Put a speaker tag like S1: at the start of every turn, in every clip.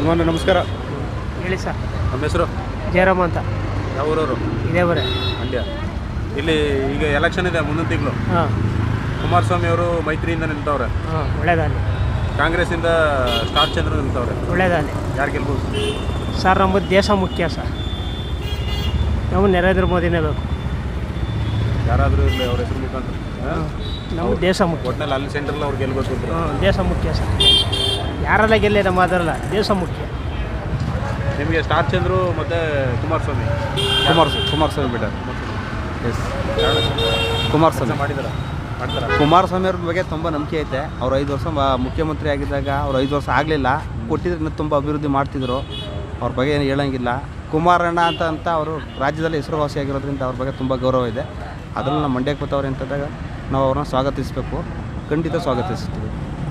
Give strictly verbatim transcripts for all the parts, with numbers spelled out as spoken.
S1: ಯಜಮಾನ ನಮಸ್ಕಾರ.
S2: ಹೇಳಿ ಸರ್.
S1: ನಮ್ಮ ಹೆಸರು
S2: ಜಯರಾಮ್ ಅಂತ.
S1: ಯಾವ ಊರವರು?
S2: ಇದೇ ಬರೇ
S1: ಮಂಡ್ಯ. ಇಲ್ಲಿ ಈಗ ಎಲೆಕ್ಷನ್ ಇದೆ ಮುಂದಿನ ತಿಂಗಳು.
S2: ಹಾಂ.
S1: ಕುಮಾರಸ್ವಾಮಿ ಅವರು ಮೈತ್ರಿಯಿಂದ ನಿಲ್ತವ್ರೆ.
S2: ಹಾಂ, ಒಳ್ಳೇದಾಗಲಿ.
S1: ಕಾಂಗ್ರೆಸ್ಸಿಂದ ಸ್ಟಾರ್ ಚಂದ್ರ ನಿಲ್ತವ್ರೆ.
S2: ಒಳ್ಳೇದಾಗಲಿ.
S1: ಯಾರು ಗೆಲ್ಬೋದು
S2: ಸರ್? ನಮ್ಮದು ದೇಶ ಮುಖ್ಯ ಸರ್. ನಾವು ನರೇಂದ್ರ ಮೋದಿನೇ ಬೇಕು.
S1: ಯಾರಾದರೂ ಇರಲಿ, ಅವ್ರ ಹೆಸರು ಮುಖಾಂತರ
S2: ನಮ್ಮ ದೇಶ ಮುಖ್ಯ.
S1: ಒಟ್ಟಿನಲ್ಲಿ ಅಲ್ಲಿ ಸೆಂಟ್ರಲ್ ಅವ್ರು ಗೆಲ್ಬೇಕು ಅಂತ.
S2: ಹಾಂ, ದೇಶ ಮುಖ್ಯ ಸರ್. ಯಾರೆಲ್ಲ ಗೆಲ್ಲಿ ನಮ್ಮ ಅದರಲ್ಲ, ದೇಶ ಮುಖ್ಯ.
S1: ನಿಮಗೆ ಸ್ಟಾರ್ ಚಂದ್ರು ಮತ್ತು ಕುಮಾರಸ್ವಾಮಿ
S3: ಕುಮಾರಸ್ವಾಮಿ ಕುಮಾರಸ್ವಾಮಿ ಬಿಟ್ಟ ಎಸ್ ಕುಮಾರಸ್ವಾಮಿ
S1: ಮಾಡಿದಾರ ಮಾಡ್ತಾರೆ.
S3: ಕುಮಾರಸ್ವಾಮಿ ಅವ್ರ ಬಗ್ಗೆ ತುಂಬ ನಂಬಿಕೆ ಐತೆ. ಅವ್ರು ಐದು ವರ್ಷ ಮುಖ್ಯಮಂತ್ರಿ ಆಗಿದ್ದಾಗ ಅವ್ರು ಐದು ವರ್ಷ ಆಗಲಿಲ್ಲ, ಕೊಟ್ಟಿದ್ರೆ ತುಂಬ ಅಭಿವೃದ್ಧಿ ಮಾಡ್ತಿದ್ರು. ಅವ್ರ ಬಗ್ಗೆ ಏನು ಹೇಳೋಂಗಿಲ್ಲ. ಕುಮಾರಣ್ಣ ಅಂತ ಅಂತ ಅವರು ರಾಜ್ಯದಲ್ಲಿ ಹೆಸರುವಾಸಿಯಾಗಿರೋದ್ರಿಂದ ಅವ್ರ ಬಗ್ಗೆ ತುಂಬ ಗೌರವ ಇದೆ. ಅದನ್ನು ನಮ್ಮ ಮಂಡ್ಯಕ್ಕೆ ಬರ್ತಾವ್ರೆ ಅಂತಂದಾಗ ನಾವು ಅವ್ರನ್ನ ಸ್ವಾಗತಿಸಬೇಕು. ಖಂಡಿತ ಸ್ವಾಗತಿಸ್ತೀವಿ.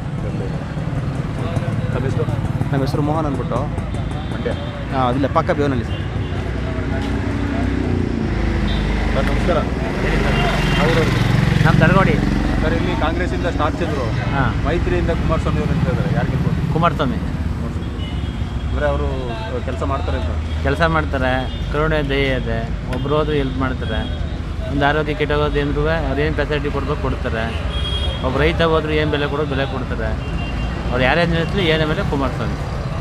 S1: ನಮ್ಮ ಹೆಸರು
S3: ನಮ್ಮ ಹೆಸರು ಮೋಹನ್ ಅಂದ್ಬಿಟ್ಟು
S1: ಮಂಡ್ಯ.
S3: ಹಾಂ, ಅದಿಲ್ಲ ಪಕ್ಕ ಬೇವನಲ್ಲಿ ಸರ್.
S1: ಸರ್ ನಮಸ್ಕಾರ. ಅವರು
S2: ನಮ್ಮ ತರಗೋಡಿ
S1: ಸರ್, ಇಲ್ಲಿ ಕಾಂಗ್ರೆಸ್ಸಿಂದ ಸ್ಟಾರ್ ಚಂದ್ರು,
S2: ಹಾಂ,
S1: ಮೈತ್ರಿಯಿಂದ ಕುಮಾರಸ್ವಾಮಿ ಅವರು ನಿಲ್ತಾ ಇದ್ದಾರೆ. ಯಾರು ಗೆಲ್ಬೋದು?
S2: ಕುಮಾರಸ್ವಾಮಿ.
S1: ಅಂದರೆ ಅವರು ಕೆಲಸ ಮಾಡ್ತಾರೆ ಅಂತ.
S2: ಕೆಲಸ ಮಾಡ್ತಾರೆ, ಕರುಣೆ ದಯೆ ಇದೆ. ಒಬ್ಬರು ಹೋದ್ರೆ ಹೆಲ್ಪ್ ಮಾಡ್ತಾರೆ. ಒಂದು ಆರೋಗ್ಯ ಕೆಟ್ಟೋಗೋದು ಏನ್ರೂ ಅವ್ರೇನು ಫೆಸಿಲಿಟಿ ಕೊಡ್ಬೇಕು ಕೊಡ್ತಾರೆ. ಒಬ್ಬ ರೈತ ಹೋದ್ರು ಏನು ಬೆಲೆ ಕೊಡೋದು ಬೆಲೆ ಕೊಡ್ತಾರೆ. ಅವ್ರು ಯಾರೇ ನಿಲ್ಲಿಸಲಿ ಏನೇ ಮೇಲೆ ಕುಮಾರಸ್ವಾಮಿ.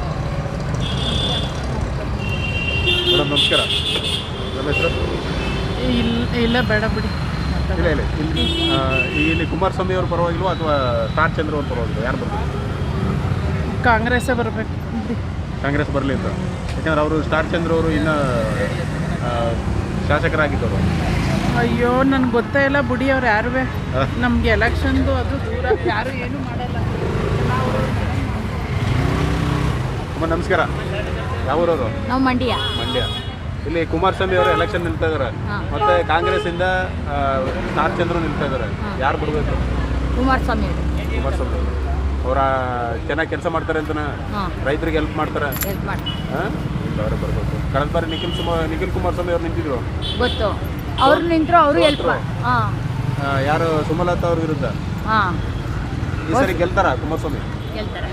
S1: ಮೇಡಮ್ ನಮಸ್ಕಾರ. ನಮ್ಮ ಹೆಸರು
S4: ಇಲ್ಲ ಇಲ್ಲ ಬೇಡ ಬಿಡಿ.
S1: ಇಲ್ಲ ಇಲ್ಲ ಇಲ್ಲಿ ಆ, ಇಲ್ಲಿ ಕುಮಾರಸ್ವಾಮಿ ಅವ್ರ ಪರವಾಗಿಲ್ವ ಅಥವಾ ಸ್ಟಾರ್ ಚಂದ್ರ ಅವ್ರ ಪರವಾಗಿಲ್ವ? ಯಾರು ಬರ್ಬೋದು?
S4: ಕಾಂಗ್ರೆಸ್ಸೇ ಬರಬೇಕು.
S1: ಕಾಂಗ್ರೆಸ್ ಬರಲಿ ಅಂತ. ಯಾಕಂದ್ರೆ ಅವರು ಸ್ಟಾರ್ ಚಂದ್ರ ಅವರು ಇನ್ನೂ ಶಾಸಕರಾಗಿದ್ದವರು.
S4: ಅಯ್ಯೋ, ನನಗೆ ಗೊತ್ತೇ ಇಲ್ಲ ಬಿಡಿ. ಅವ್ರು ಯಾರು ನಮಗೆ ಎಲೆಕ್ಷನ್ದು ಅದು ದೂರ, ಯಾರು ಏನು ಮಾಡಲ್ಲ.
S1: ಅಮ್ಮ ನಮಸ್ಕಾರ. ಯಾವೂರವರು?
S5: ನಾವು ಮಂಡ್ಯ.
S1: ಮಂಡ್ಯ. ಇಲ್ಲಿ ಕುಮಾರಸ್ವಾಮಿ ಅವರು ಎಲೆಕ್ಷನ್ ನಿಲ್ತಾ ಇದ್ದಾರೆ, ಮತ್ತೆ ಕಾಂಗ್ರೆಸ್ಸಿಂದ ಸ್ಟಾರ್ ಚಂದ್ರ ನಿಲ್ತಾ ಇದ್ದಾರೆ. ಯಾರು ಬಿಡಬೇಕು?
S5: ಕುಮಾರಸ್ವಾಮಿ ಅವರು.
S1: ಕುಮಾರಸ್ವಾಮಿ ಅವರು ಅವರ ಚೆನ್ನಾಗಿ ಕೆಲಸ ಮಾಡ್ತಾರೆ ಅಂತ, ರೈತರಿಗೆ ಹೆಲ್ಪ್ ಮಾಡ್ತಾರೆ.
S5: ಹೆಲ್ಪ್ ಮಾಡಿ
S1: ಹಾಂ, ಅವರೇ ಬರಬೇಕು. ಕಳೆದ ಬಾರಿ ನಿಖಿಲ್ ಸುಮ ನಿಖಿಲ್ ಕುಮಾರಸ್ವಾಮಿ ಅವ್ರು ನಿಂತಿದ್ರು.
S5: ಗೊತ್ತು. ಅವ್ರು ನಿಂತರು, ಅವರು ಹೆಲ್ಪ್ ಮಾಡಿ. ಹಾಂ,
S1: ಯಾರು ಸುಮಲತಾ ಅವ್ರ ವಿರುದ್ಧ.
S5: ಹಾಂ,
S1: ಈ ಸರಿ ಗೆಲ್ತಾರ ಕುಮಾರಸ್ವಾಮಿ?
S5: ಗೆಲ್ತಾರೆ.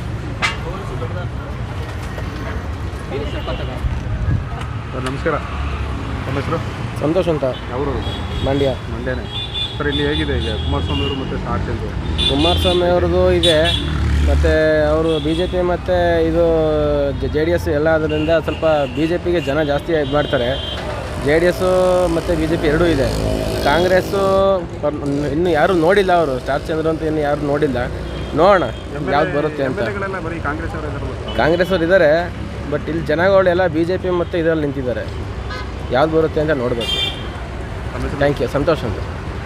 S1: ಸರ್ ನಮಸ್ಕಾರ. ನಮ್ಮ ಹೆಸರು
S3: ಸಂತೋಷ್ ಅಂತ.
S1: ಯಾವರು?
S3: ಮಂಡ್ಯ.
S1: ಮಂಡ್ಯನೇ. ಸರ್, ಇಲ್ಲಿ ಹೇಗಿದೆ ಈಗ ಕುಮಾರಸ್ವಾಮಿ ಅವರು ಮತ್ತು ಸ್ಟಾರ್ ಚಂದ್ರ?
S3: ಕುಮಾರಸ್ವಾಮಿ ಅವ್ರದ್ದು ಇದೆ, ಮತ್ತು ಅವರು ಬಿ ಜೆ ಪಿ ಮತ್ತು ಇದು ಜೆ ಡಿ ಎಸ್ ಎಲ್ಲ ಅದರಿಂದ ಸ್ವಲ್ಪ ಬಿ ಜೆ ಪಿಗೆ ಜನ ಜಾಸ್ತಿ ಇದು ಮಾಡ್ತಾರೆ. ಜೆ ಡಿ ಎಸ್ಸು ಮತ್ತು ಬಿ ಜೆ ಪಿ ಎರಡೂ ಇದೆ. ಕಾಂಗ್ರೆಸ್ಸು ಇನ್ನೂ ಯಾರೂ ನೋಡಿಲ್ಲ. ಅವರು ಸ್ಟಾರ್ ಚಂದ್ರ ಅಂತ ಇನ್ನು ಯಾರು ನೋಡಿಲ್ಲ. ನೋಡೋಣ ಯಾವ್ದು ಬರುತ್ತೆ ಅಂತ.
S1: ಬರೀ ಕಾಂಗ್ರೆಸ್ ಅವರು ಇದ್ದಾರೆ.
S3: ಕಾಂಗ್ರೆಸ್ ಅವ್ರು ಇದ್ದಾರೆ, ಬಟ್ ಇಲ್ಲಿ ಜನಗಳೆಲ್ಲ ಬಿ ಜೆ ಪಿ ಮತ್ತು ಇದರಲ್ಲಿ ನಿಂತಿದ್ದಾರೆ. ಯಾವ್ದು ಬರುತ್ತೆ ಅಂತ ನೋಡಬೇಕು. Thank you. ಸಂತೋಷ್ ಅಂತ.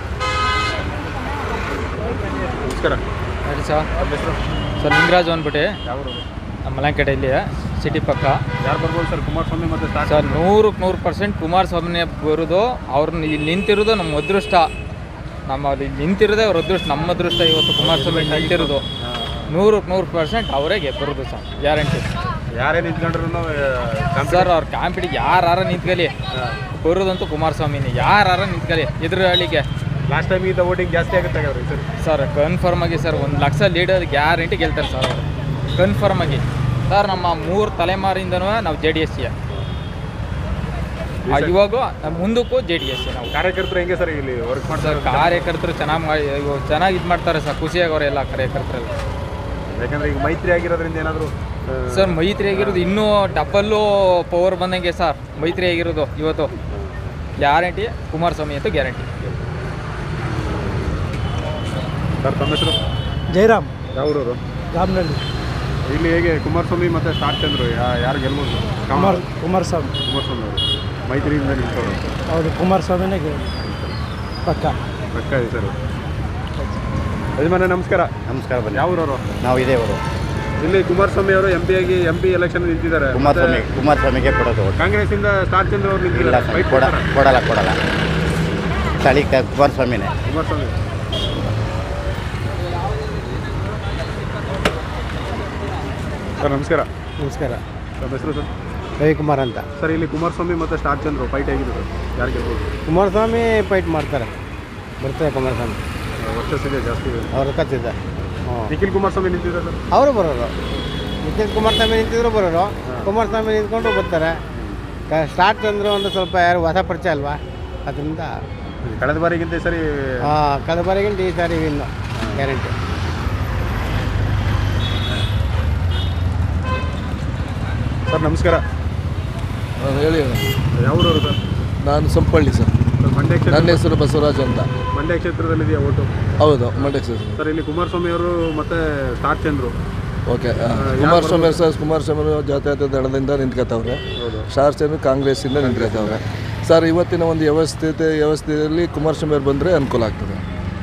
S1: ನಮಸ್ಕಾರ.
S6: ಹೇಳಿ ಸರ್.
S1: ನಮ್ಮ ಹೆಸರು
S6: ಸರ್ ನಿಂಗರಾಜು ಅಂದ್ಬಿಟ್ಟು
S1: ಯಾವರು?
S6: ನಮ್ಮ ಮಲಂಕೇಟೆ ಇಲ್ಲಿ ಸಿಟಿ ಪಕ್ಕ.
S1: ಯಾರು ಬರ್ಬೋದು ಸರ್? ಕುಮಾರಸ್ವಾಮಿ ಮತ್ತು ಸ್ಟಾರ್
S6: ಸರ್ ನೂರಕ್ಕೆ ನೂರು ಪರ್ಸೆಂಟ್ ಕುಮಾರಸ್ವಾಮಿನೇ ಬರೋದು. ಅವ್ರನ್ನ ಇಲ್ಲಿ ನಿಂತಿರೋದು ನಮ್ಮ ಅದೃಷ್ಟ. ನಮ್ಮ ಅಲ್ಲಿ ನಿಂತಿರೋದೇ ಅವ್ರ ಅದೃಷ್ಟ, ನಮ್ಮ ಅದೃಷ್ಟ. ಇವತ್ತು ಕುಮಾರಸ್ವಾಮಿ ನಿಂತಿರೋದು ನೂರಕ್ಕೆ ನೂರು ಪರ್ಸೆಂಟ್ ಅವರೇ ಬರೋದು ಸರ್, ಗ್ಯಾರಂಟಿ.
S1: ಯಾರೇ ನಿಂತ್ಕೊಂಡ್ರು
S6: ಸರ್ ಅವ್ರ ಕಾಂಪಿಟಿ ಯಾರು ನಿಂತ್ಕಲಿ, ಬರೋದಂತೂ ಕುಮಾರಸ್ವಾಮಿನೇ. ಯಾರು ನಿಂತ್ಕಲಿ ಎದುರಾಳಿಗೆ.
S1: ಲಾಸ್ಟ್ ಟೈಮ್ ಇದ್ದ ವೋಟಿಂಗ್ ಜಾಸ್ತಿ ಆಗುತ್ತೆ ಅವ್ರಿ ಸರ್.
S6: ಸರ್ ಕನ್ಫರ್ಮ್ ಆಗಿ ಸರ್ ಒಂದು ಲಕ್ಷ ಲೀಡರ್ ಗ್ಯಾರಂಟಿ ಗೆಲ್ತಾರೆ ಸರ್ ಅವರು, ಕನ್ಫರ್ಮ್ ಆಗಿ. ಸರ್ ನಮ್ಮ ಮೂರು ತಲೆಮಾರಿಂದನೂ ನಾವು ಜೆ ಡಿ ಎಸ್ಸಿಯ, ಇವಾಗ ಮುಂದಕ್ಕೂ ಜೆ ಡಿ ಎಸ್. ನಾವು
S1: ಕಾರ್ಯಕರ್ತರು ಹೆಂಗೆ ಸರ್ ಇಲ್ಲಿ ವರ್ಕ್ ಮಾಡ್ತಾರೆ?
S6: ಕಾರ್ಯಕರ್ತರು ಚೆನ್ನಾಗಿ ಮಾಡಿ ಚೆನ್ನಾಗಿ ಇದು ಮಾಡ್ತಾರೆ ಸರ್, ಖುಷಿಯಾಗಿ ಅವರೆಲ್ಲ ಕಾರ್ಯಕರ್ತರೆಲ್ಲ.
S1: ಯಾಕಂದರೆ ಈಗ ಮೈತ್ರಿ ಆಗಿರೋದ್ರಿಂದ ಏನಾದರೂ
S6: ಸರ್ ಮೈತ್ರಿ ಆಗಿರೋದು ಇನ್ನೂ ಡಬಲ್ಲು ಪವರ್ ಬಂದಂಗೆ ಸರ್. ಮೈತ್ರಿ ಆಗಿರೋದು ಇವತ್ತು ಗ್ಯಾರಂಟಿ ಕುಮಾರಸ್ವಾಮಿ ಅಂತೂ ಗ್ಯಾರಂಟಿ.
S1: ಸರ್ ತಮ್ಮ ಹೆಸರು?
S2: ಜಯರಾಮ್.
S1: ಯಾವೂರವರು?
S2: ರಾಮನಹಳ್ಳಿ.
S1: ಇಲ್ಲಿ ಹೇಗೆ ಕುಮಾರಸ್ವಾಮಿ ಮತ್ತು ಸ್ಟಾರ್ ಚಂದ್ರು ಯಾರು ಗೆಲ್ಬೋದು?
S2: ಕುಮಾರ್ ಕುಮಾರಸ್ವಾಮಿ.
S1: ಕುಮಾರಸ್ವಾಮಿ ಅವರು ಮೈತ್ರಿಯಿಂದ ನಿಂತವರು.
S2: ಹೌದು, ಕುಮಾರಸ್ವಾಮಿನೇ ಪಕ್ಕ
S1: ಪಕ್ಕ ಇದೆ ಸರ್. ಯಜಮಾನ ನಮಸ್ಕಾರ.
S3: ನಮಸ್ಕಾರ. ಬನ್ನಿ.
S1: ಯಾವೂರವರು?
S3: ನಾವು ಇದೇ ಊರು.
S1: ಇಲ್ಲಿ ಕುಮಾರಸ್ವಾಮಿ ಅವರು ಎಂ ಪಿ ಆಗಿ ಎಂ ಪಿ ಎಲೆಕ್ಷನ್ ನಿಂತಿದ್ದಾರೆ.
S3: ಕುಮಾರಸ್ವಾಮಿ ಕುಮಾರಸ್ವಾಮಿಗೆ ಕೊಡೋದು.
S1: ಕಾಂಗ್ರೆಸ್ಸಿಂದ ಸ್ಟಾರ್ ಚಂದ್ರ ಅವರು
S3: ಇಲ್ಲ
S1: ನಿಂತಿದ್ದಾರೆ.
S3: ಸರ್, ಕೊಡ ಕೊಡಲ್ಲ ಕೊಡಲ್ಲ ಸ್ಥಳೀಕ ಕುಮಾರಸ್ವಾಮಿನೇ.
S1: ಕುಮಾರಸ್ವಾಮಿ. ಸರ್ ನಮಸ್ಕಾರ.
S3: ನಮಸ್ಕಾರ.
S1: ನಮ್ಮ ಹೆಸರು ಸರ್?
S3: ರವಿಕುಮಾರ್ ಅಂತ.
S1: ಸರ್ ಇಲ್ಲಿ ಕುಮಾರಸ್ವಾಮಿ ಮತ್ತು ಸ್ಟಾರ್ ಚಂದ್ರ ಫೈಟ್ ಆಗಿದ್ರು, ಯಾರು ಗೆಲ್ಬೋದು?
S3: ಕುಮಾರಸ್ವಾಮಿ ಫೈಟ್ ಮಾಡ್ತಾರೆ, ಬರ್ತಾರೆ ಕುಮಾರಸ್ವಾಮಿ.
S1: ವರ್ಚಸ್ಸಿದೆ ಜಾಸ್ತಿ.
S3: ಅವ್ರ ಕತ್ತಿದೆ.
S1: ನಿಖಿಲ್ ಕುಮಾರಸ್ವಾಮಿ ನಿಂತಿದ್ದಾರೆ ಸರ್.
S3: ಅವರು ಬರೋದು.
S7: ನಿಖಿಲ್ ಕುಮಾರಸ್ವಾಮಿ ನಿಂತಿದ್ರು ಬರೋರು, ಕುಮಾರಸ್ವಾಮಿ ನಿಂತ್ಕೊಂಡು ಬರ್ತಾರೆ. ಕ ಸ್ಟಾರ್ಟ್ ತಂದರು ಒಂದು ಸ್ವಲ್ಪ ಯಾರು ಹೊಸ ಪರಿಚಯ ಅಲ್ವಾ, ಅದರಿಂದ
S1: ಕಳೆದ ಬಾರಿಗಿಂತ ಈ ಸರಿ
S7: ಕಳೆದ ಬಾರಿಗಿಂತ ಈ ಸಾರಿ ಇನ್ನು ಗ್ಯಾರಂಟಿ.
S1: ಸರ್ ನಮಸ್ಕಾರ.
S8: ಹೇಳಿ.
S1: ಯಾವೂರವರು ಸರ್?
S8: ನಾನು ಸಂಪಳ್ಳಿ ಸರ್.
S1: ಮಂಡ್ಯ ಕ್ಷೇತ್ರ.
S8: ನನ್ನ ಹೆಸರು ಬಸವರಾಜ್ ಅಂತ.
S1: ಮಂಡ್ಯ ಕ್ಷೇತ್ರದಲ್ಲಿದೆಯಾ ಓಟು?
S8: ಹೌದು, ಮಂಡ್ಯ ಕ್ಷೇತ್ರ
S1: ಸರ್. ಇಲ್ಲಿ ಕುಮಾರಸ್ವಾಮಿ ಅವರು ಮತ್ತು star Chandru.
S8: Okay. Kumaraswamy sir Kumaraswamy ಅವರು ಜಾತ್ಯತೀತ ದಳದಿಂದ ನಿಂತ್ಕೊತವ್ರೆ. ಸ್ಟಾರ್ ಚಂದ್ರು ಕಾಂಗ್ರೆಸ್ಸಿಂದ ನಿಂತ್ಕೊತವ್ರೆ. ಸರ್, ಇವತ್ತಿನ ಒಂದು ವ್ಯವಸ್ಥೆ ವ್ಯವಸ್ಥೆಯಲ್ಲಿ ಕುಮಾರಸ್ವಾಮಿ ಅವ್ರು ಬಂದರೆ ಅನುಕೂಲ ಆಗ್ತದೆ.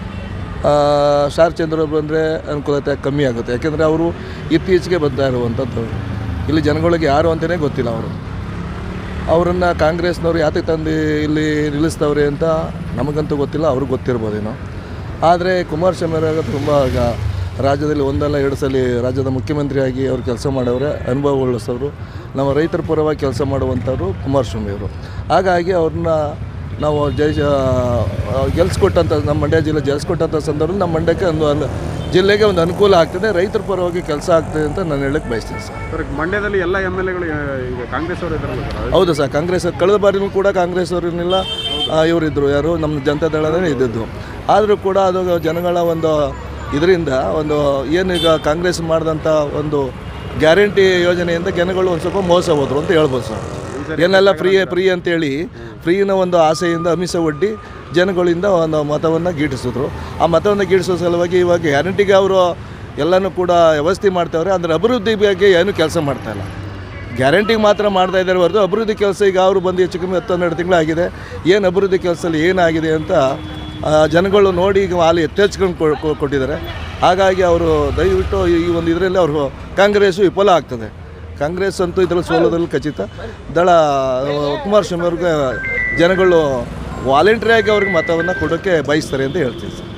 S8: ಸ್ಟಾರ್ ಚಂದ್ರ ಬಂದರೆ ಅನುಕೂಲತೆ ಕಮ್ಮಿ ಆಗುತ್ತೆ. ಯಾಕೆಂದರೆ ಅವರು ಇತ್ತೀಚೆಗೆ ಬರ್ತಾ ಇರುವಂಥದ್ದು. ಇಲ್ಲಿ ಜನಗಳಿಗೆ ಯಾರು ಅಂತಲೇ ಗೊತ್ತಿಲ್ಲ. ಅವರು ಅವರನ್ನು ಕಾಂಗ್ರೆಸ್ನವ್ರು ಯಾತಕ್ಕೆ ತಂದು ಇಲ್ಲಿ ನಿಲ್ಲಿಸ್ತವ್ರೆ ಅಂತ ನಮಗಂತೂ ಗೊತ್ತಿಲ್ಲ, ಅವ್ರಿಗೆ ಗೊತ್ತಿರ್ಬೋದೇನೋ. ಆದರೆ ಕುಮಾರಸ್ವಾಮಿ ಅವರಾಗ ತುಂಬ ಈಗ ರಾಜ್ಯದಲ್ಲಿ ಒಂದಲ್ಲ ಎರಡು ಸಲ ರಾಜ್ಯದ ಮುಖ್ಯಮಂತ್ರಿಯಾಗಿ ಅವರು ಕೆಲಸ ಮಾಡವ್ರೆ, ಅನುಭವಗೊಳಿಸೋರು, ನಮ್ಮ ರೈತರ ಪರವಾಗಿ ಕೆಲಸ ಮಾಡುವಂಥವ್ರು ಕುಮಾರಸ್ವಾಮಿ ಅವರು. ಹಾಗಾಗಿ ಅವ್ರನ್ನ ನಾವು ಜೈ ಗೆಲ್ಸ್ಕೊಟ್ಟಂಥ ನಮ್ಮ ಮಂಡ್ಯ ಜಿಲ್ಲೆ ಗೆಲ್ಸ್ಕೊಟ್ಟಂಥ ಸಂದರ್ಭದಲ್ಲಿ ನಮ್ಮ ಮಂಡ್ಯಕ್ಕೆ ಒಂದು ಅನು ಜಿಲ್ಲೆಗೆ ಒಂದು ಅನುಕೂಲ ಆಗ್ತದೆ, ರೈತರ ಪರವಾಗಿ ಕೆಲಸ ಆಗ್ತದೆ ಅಂತ ನಾನು ಹೇಳಕ್ಕೆ ಬಯಸ್ತೀನಿ ಸರ್.
S1: ಸರ್, ಮಂಡ್ಯದಲ್ಲಿ ಎಲ್ಲ ಎಮ್ ಎಲ್ ಎಗಳು ಈಗ ಕಾಂಗ್ರೆಸ್ ಅವರು ಇದ್ದಾರಲ್ಲ ಸರ್?
S8: ಹೌದು ಸರ್, ಕಾಂಗ್ರೆಸ್ ಕಳೆದ ಬಾರಿನೂ ಕೂಡ ಕಾಂಗ್ರೆಸ್ ಅವರನ್ನೆಲ್ಲ ಇವರಿದ್ದರು, ಯಾರು ನಮ್ಮ ಜನತಾ ದಳನೇ ಇದ್ದಿದ್ದು. ಆದರೂ ಕೂಡ ಅದು ಜನಗಳ ಒಂದು ಇದರಿಂದ ಒಂದು ಏನೀಗ ಕಾಂಗ್ರೆಸ್ ಮಾಡಿದಂಥ ಒಂದು ಗ್ಯಾರಂಟಿ ಯೋಜನೆಯಿಂದ ಜನಗಳು ಒಂದು ಸ್ವಲ್ಪ ಮೋಸ ಹೋದರು ಅಂತ ಹೇಳ್ಬೋದು ಸರ್. ಏನೆಲ್ಲ ಫ್ರೀ ಫ್ರೀ ಅಂತೇಳಿ ಫ್ರೀನ ಒಂದು ಆಸೆಯಿಂದ ಅಮಿಷ ಒಡ್ಡಿ ಜನಗಳಿಂದ ಒಂದು ಮತವನ್ನು ಗೀಟಿಸಿದ್ರು. ಆ ಮತವನ್ನು ಗೀಟಿಸೋ ಸಲುವಾಗಿ ಇವಾಗ ಗ್ಯಾರಂಟಿಗೆ ಅವರು ಎಲ್ಲನೂ ಕೂಡ ವ್ಯವಸ್ಥೆ ಮಾಡ್ತಾವ್ರೆ. ಅಂದರೆ ಅಭಿವೃದ್ಧಿ ಬಗ್ಗೆ ಏನೂ ಕೆಲಸ ಮಾಡ್ತಾಯಿಲ್ಲ, ಗ್ಯಾರಂಟಿಗೆ ಮಾತ್ರ ಮಾಡ್ತಾ ಇದ್ದಾರೆ ಹೊರತು ಅಭಿವೃದ್ಧಿ ಕೆಲಸ ಈಗ ಅವರು ಬಂದು ಹೆಚ್ಚು ಕಮ್ಮಿ ಹತ್ತು ಹನ್ನೆರಡು ತಿಂಗಳಾಗಿದೆ. ಏನು ಅಭಿವೃದ್ಧಿ ಕೆಲಸದಲ್ಲಿ ಏನಾಗಿದೆ ಅಂತ ಜನಗಳು ನೋಡಿ ಈಗ ಅಲ್ಲಿ ಎತ್ತೆಚ್ಕೊಂಡು ಕೊಟ್ಟಿದ್ದಾರೆ. ಹಾಗಾಗಿ ಅವರು ದಯವಿಟ್ಟು ಈ ಒಂದು ಇದರಲ್ಲಿ ಅವರು ಕಾಂಗ್ರೆಸ್ಸು ವಿಫಲ ಆಗ್ತದೆ. ಕಾಂಗ್ರೆಸ್ ಅಂತೂ ಇದರಲ್ಲಿ ಸೋಲೋದ್ರಲ್ಲಿ ಖಚಿತ. ದಳ ಕುಮಾರಸ್ವಾಮಿ ಅವ್ರಿಗೆ ಜನಗಳು ವಾಲಂಟ್ರಿಯಾಗಿ ಅವ್ರಿಗೆ ಮತವನ್ನು ಕೊಡೋಕ್ಕೆ ಬಯಸ್ತಾರೆ ಅಂತ ಹೇಳ್ತೀನಿ ಸರ್.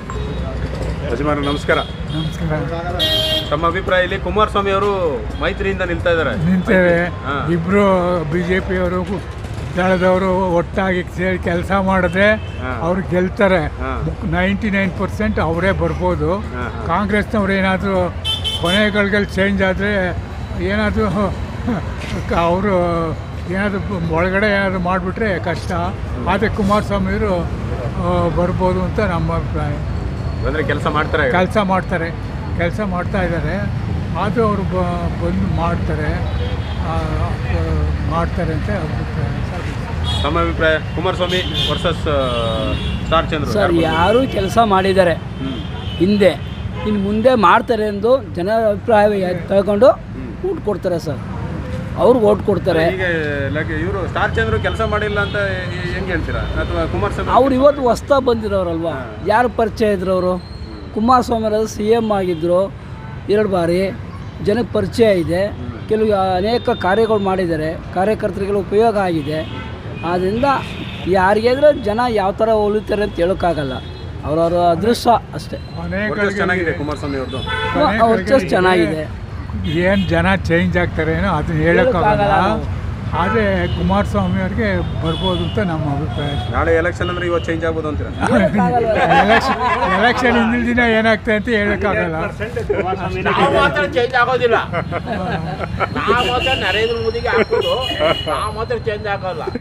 S1: ಯಜಮಾನ ನಮಸ್ಕಾರ.
S9: ನಮಸ್ಕಾರ.
S1: ತಮ್ಮ ಅಭಿಪ್ರಾಯ, ಇಲ್ಲಿ ಕುಮಾರಸ್ವಾಮಿ ಅವರು ಮೈತ್ರಿಯಿಂದ ನಿಲ್ತಾ ಇದ್ದಾರೆ.
S9: ನಿಂತೇವೆ. ಇಬ್ಬರು ಬಿ ಜೆ ಪಿಯವರು ದಳದವರು ಒಟ್ಟಾಗಿ ಸೇರಿ ಕೆಲಸ ಮಾಡಿದ್ರೆ ಅವ್ರು ಗೆಲ್ತಾರೆ. ನೈಂಟಿ ನೈನ್ ಪರ್ಸೆಂಟ್ ಅವರೇ ಬರ್ಬೋದು. ಕಾಂಗ್ರೆಸ್ನವ್ರು ಏನಾದರೂ ಕೊನೆಗಳಿಗೆ ಚೇಂಜ್ ಆದರೆ ಏನಾದರೂ ಅವರು ಏನಾದರೂ ಒಳಗಡೆ ಏನಾದರೂ ಮಾಡಿಬಿಟ್ರೆ ಕಷ್ಟ. ಆದರೆ ಕುಮಾರಸ್ವಾಮಿಯವರು ಬರ್ಬೋದು ಅಂತ ನಮ್ಮ ಅಭಿಪ್ರಾಯ.
S1: ಅಂದರೆ ಕೆಲಸ ಮಾಡ್ತಾರೆ
S9: ಕೆಲಸ ಮಾಡ್ತಾರೆ ಕೆಲಸ ಮಾಡ್ತಾ ಇದ್ದಾರೆ. ಆದರೂ ಅವರು ಬಂದು ಮಾಡ್ತಾರೆ ಮಾಡ್ತಾರೆ ಅಂತ ಅಭಿಪ್ರಾಯ.
S1: ತಮ್ಮ ಅಭಿಪ್ರಾಯ, Kumaraswamy versus star Chandru?
S10: Sir, ಯಾರು ಕೆಲಸ ಮಾಡಿದ್ದಾರೆ ಹಿಂದೆ, ಇನ್ನು ಮುಂದೆ ಮಾಡ್ತಾರೆ ಎಂದು ಜನರ ಅಭಿಪ್ರಾಯ ತಗೊಂಡು ಓಟ್ ಕೊಡ್ತಾರೆ ಸರ್. ಅವ್ರಿಗೆ ಓಟ್ ಕೊಡ್ತಾರೆ.
S1: ಈಗ ಇವರು ಸ್ಟಾರ್ ಚಂದ್ರು ಕೆಲಸ ಮಾಡಿಲ್ಲ ಅಂತ ಹೆಂಗೆ ಹೇಳ್ತೀರಾ? ಅಥವಾ ಕುಮಾರಸ್ವಾಮಿ
S10: ಅವ್ರು ಇವತ್ತು ಹೊಸ್ತಾ ಬಂದಿರೋರಲ್ವಾ, ಯಾರು ಪರಿಚಯ ಇದ್ರು ಅವರು? ಕುಮಾರಸ್ವಾಮಿ ಅವರು ಸಿ ಎಮ್ ಆಗಿದ್ದರು ಎರಡು ಬಾರಿ, ಜನಕ್ಕೆ ಪರಿಚಯ ಇದೆ. ಕೆಲವು ಅನೇಕ ಕಾರ್ಯಗಳು ಮಾಡಿದ್ದಾರೆ, ಕಾರ್ಯಕರ್ತರಿಗೆ ಉಪಯೋಗ ಆಗಿದೆ. ಆದ್ದರಿಂದ ಯಾರಿಗಾದ್ರೆ ಜನ ಯಾವ ಥರ ಹೋಲುತ್ತಾರೆ ಅಂತ ಹೇಳೋಕ್ಕಾಗಲ್ಲ, ಅವರವರ ಅದೃಷ್ಟ ಅಷ್ಟೇ.
S1: ಚೆನ್ನಾಗಿದೆ ಕುಮಾರಸ್ವಾಮಿ ಅವ್ರದ್ದು,
S10: ವರ್ಚಸ್ ಚೆನ್ನಾಗಿದೆ.
S9: ಏನು ಜನ ಚೇಂಜ್ ಆಗ್ತಾರೆ ಏನೋ ಅದನ್ನ ಹೇಳೋಕ್ಕಾಗಲ್ಲ. ಆದರೆ ಕುಮಾರಸ್ವಾಮಿ ಅವ್ರಿಗೆ ಬರ್ಬೋದು ಅಂತ ನಮ್ಮ ಅಭಿಪ್ರಾಯ.
S1: ನಾಳೆ ಎಲೆಕ್ಷನ್ ಅಂದರೆ ಇವತ್ತು ಚೇಂಜ್ ಆಗ್ಬೋದು ಅಂತೀರಾ?
S9: ಎಲೆಕ್ಷನ್ ಎಲೆಕ್ಷನ್ ಹಿಂದಿನ ದಿನ ಏನಾಗ್ತದೆ ಅಂತ ಹೇಳೋಕ್ಕಾಗಲ್ಲ.
S11: ಚೇಂಜ್ ಆಗೋದಿಲ್ಲ. ನಾವು ಮಾತ್ರ ನರೇಂದ್ರ ಮೋದಿಗೆ ಹಾಕೋದು, ನಾವು ಮಾತ್ರ ಚೇಂಜ್ ಆಗೋಲ್ಲ.